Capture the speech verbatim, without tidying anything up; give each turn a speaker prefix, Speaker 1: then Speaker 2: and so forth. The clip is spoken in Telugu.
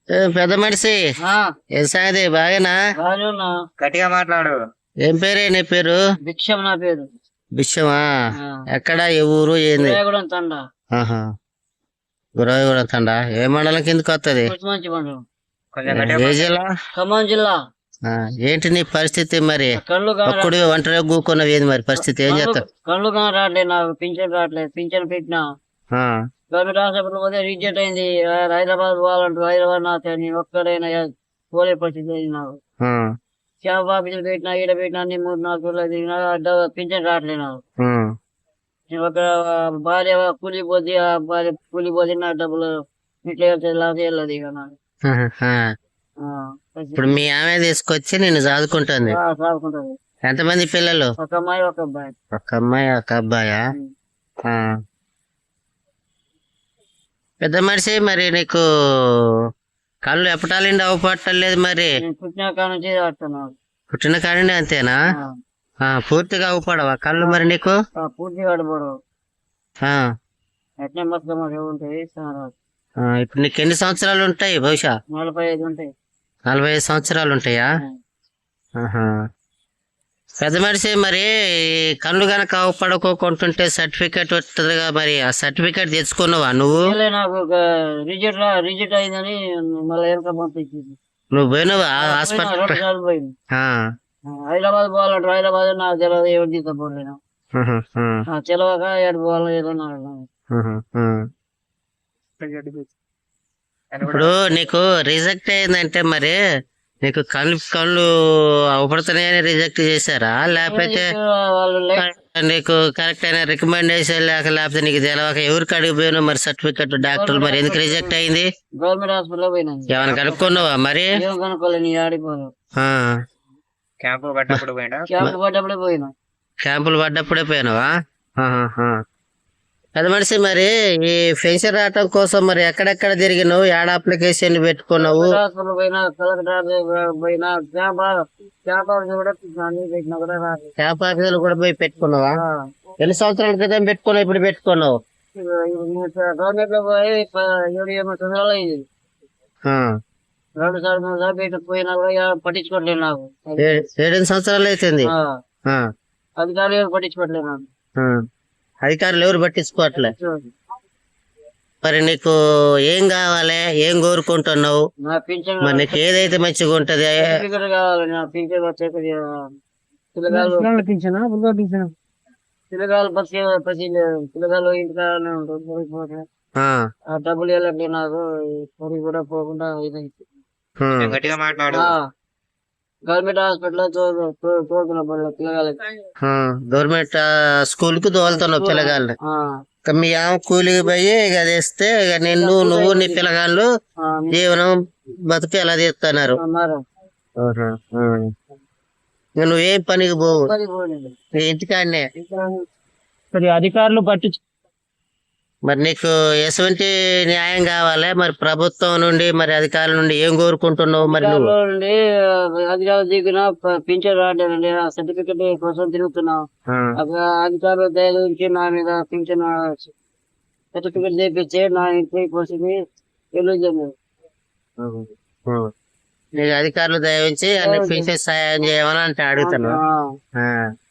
Speaker 1: ఏ పెద్ద మనిషి ఏం సంగతి బాగేనా?
Speaker 2: గట్టిగా మాట్లాడు.
Speaker 1: ఏం పేరే నీ పేరు?
Speaker 3: భిక్షం నా పేరు.
Speaker 1: బిచ్చమా? ఎక్కడ ఏ ఊరు ఏంది? ఆహా గురవాయిగూడెం తండా. ఏ మండలం కిందకి వస్తుంది? ఏ జిల్లా?
Speaker 3: ఖమ్మం జిల్లా.
Speaker 1: ఏంటి నీ పరిస్థితి మరి?
Speaker 3: కళ్ళు
Speaker 1: ఒక్కడు ఒంటరిగా కూకున్నవి ఏంది మరి పరిస్థితి? ఏం చేస్తావు?
Speaker 3: కళ్ళు కానీ రావట్లేదు, నాకు పింఛన్ రావట్లేదు. పింఛన్ పెట్టినా గవర్నమెంట్ హాస్పిటల్ పోతే రిజెక్ట్ అయింది. హైదరాబాద్ పోవాలంటారు. హైదరాబాద్ నా నేను ఒక్కడైనా పోలే పరిస్థితి అయింది నాకు. క్యాంప్ ఆఫీసులు పెట్టినా, ఈడ పెట్టినా, అన్ని మూడు నాలుగు రోజులు తిరిగినా పింఛన్ రావట్లేదు నాకు. ఒక భార్య కూలిపోతే, ఆ భార్య కూలిపోతే నా డబ్బులు ఇట్లా వెళ్తాయి, లాస్ వెళ్ళదు ఇక నాకు.
Speaker 1: ఇప్పుడు మీ ఆమె తీసుకొచ్చి నేను చదువుకుంటుంది.
Speaker 3: చదువుకుంటుంది.
Speaker 1: ఎంతమంది పిల్లలు?
Speaker 3: ఒక అమ్మాయి ఒక అబ్బాయి.
Speaker 1: ఒక అమ్మాయి ఒక అబ్బాయా? పెద్ద మనిషి మరి నీకు కళ్ళు ఎప్పటాలండి అవపట్టలేదు మరి?
Speaker 3: పుట్టిన కాడ నుంచి ఆడుతున్నాను.
Speaker 1: పుట్టిన కాడండి అంతేనా? పూర్తిగా అవపడవా కళ్ళు మరి నీకు?
Speaker 3: పూర్తిగా ఆడపడవు. ఎట్నే మొత్తం ఉంటాయి.
Speaker 1: ఇప్పుడు నీకు ఎన్ని సంవత్సరాలు ఉంటాయి? బహుశా
Speaker 3: నలభై ఐదు ఉంటాయి.
Speaker 1: నలభై ఐదు సంవత్సరాలు ఉంటాయా? పెద్ద మనిషి మరి కళ్ళు గనక అవపడుకోకుంటుంటే సర్టిఫికేట్ వస్తుందిగా, మరి ఆ సర్టిఫికేట్ తెచ్చుకున్నావా నువ్వు?
Speaker 3: నాకు రిజెక్ట్ రిజెక్ట్ అయిందని మళ్ళీ వెనక పంపించింది.
Speaker 1: నువ్వు పోయినావా హాస్పిటల్?
Speaker 3: పోయింది. హైదరాబాద్ పోవాలంటారు. హైదరాబాద్ నాకు తెలియదు, ఎవరు తీసుకుపోలేను. తెలవక ఏడు పోవాలి ఏదో నాకు.
Speaker 1: ఇప్పుడు నీకు రిజెక్ట్ అయిందంటే మరి నీకు కళ్ళు కళ్ళు అవపడుతున్నాయని రిజెక్ట్ చేశారా, లేకపోతే నీకు కరెక్ట్ అయిన రికమెండేషన్ లేక, లేకపోతే నీకు తెలవక ఎవరికి అడిగిపోయినా మరి సర్టిఫికెట్ డాక్టర్ మరి ఎందుకు రిజెక్ట్ అయింది?
Speaker 3: గవర్నమెంట్ హాస్పిటల్ పోయినా.
Speaker 1: ఏమైనా కనుక్కున్నావా మరి?
Speaker 2: క్యాంపులు పడ్డప్పుడు పోయినా.
Speaker 3: క్యాంపులు పడ్డప్పుడే పోయినా.
Speaker 1: క్యాంపులు పడ్డప్పుడే పోయినావా? పెద్ద మనిషి మరి ఈ పెన్షన్ రావటం కోసం మరి ఎక్కడెక్కడ తిరిగినావు? ఏడ అప్లికేషన్ పెట్టుకున్నావు? క్యాంప్ ఆఫీసులు కూడా పోయి పెట్టుకున్నావా? ఎన్ని సంవత్సరాల క్రితం పెట్టుకున్నావు, ఇప్పుడు పెట్టుకున్నావు?
Speaker 3: గవర్నమెంట్ లో పోయి ఏడు ఎనిమిది సంవత్సరాలు అయింది. రెండు సార్లు మూడు సార్లు పెట్టిపోయినా కూడా పట్టించుకోవట్లేదు నాకు.
Speaker 1: ఏడెనిమిది సంవత్సరాలు అవుతుంది.
Speaker 3: అధికారులు పట్టించుకోవట్లేదు నాకు.
Speaker 1: అధికారులు ఎవరు పట్టించుకోవట్లే. మరి నీకు ఏం కావాలి, ఏం కోరుకుంటున్నావు? మరి నీకు ఏదైతే మంచిగా ఉంటది?
Speaker 3: పిల్లగాలు బస్ పిల్లగాలు ఇంటికానే డబ్బులు వెళ్ళండి నాకు కూడా పోకుండా.
Speaker 2: గట్టిగా మాట్లాడు.
Speaker 3: గవర్నమెంట్ హాస్పిటల్
Speaker 1: గవర్నమెంట్ స్కూల్ కు తోలుతున్నావు పిల్లగాళ్ళు. మీ ఆమె కూలికి పోయి ఇక తెస్తే ఇక నిన్ను నువ్వు నీ పిల్లగాళ్ళు జీవనం బతుకు ఎలా తీస్తున్నారు? ఇక నువ్వేం పనికి పోవు, ఇంటికాడనే.
Speaker 3: అధికారులు పట్టించు.
Speaker 1: మరి నీకు ఎటువంటి న్యాయం కావాలి మరి ప్రభుత్వం నుండి, మరి అధికారుల నుండి ఏం కోరుకుంటున్నావు? మరి నువ్వు
Speaker 3: అధికారులు దిగిన పింఛన్ రావట్లేదండి, సర్టిఫికెట్ కోసం తిరుగుతున్నావు. అధికారులు దయచి నా మీద పింఛన్ సర్టిఫికెట్ తెప్పించే నా ఇంటి కోసం తెలియజేయండి.
Speaker 1: అధికారులు దయవించి అన్ని పింఛన్ సాయం చేయమని అంటే అడుగుతున్నావు.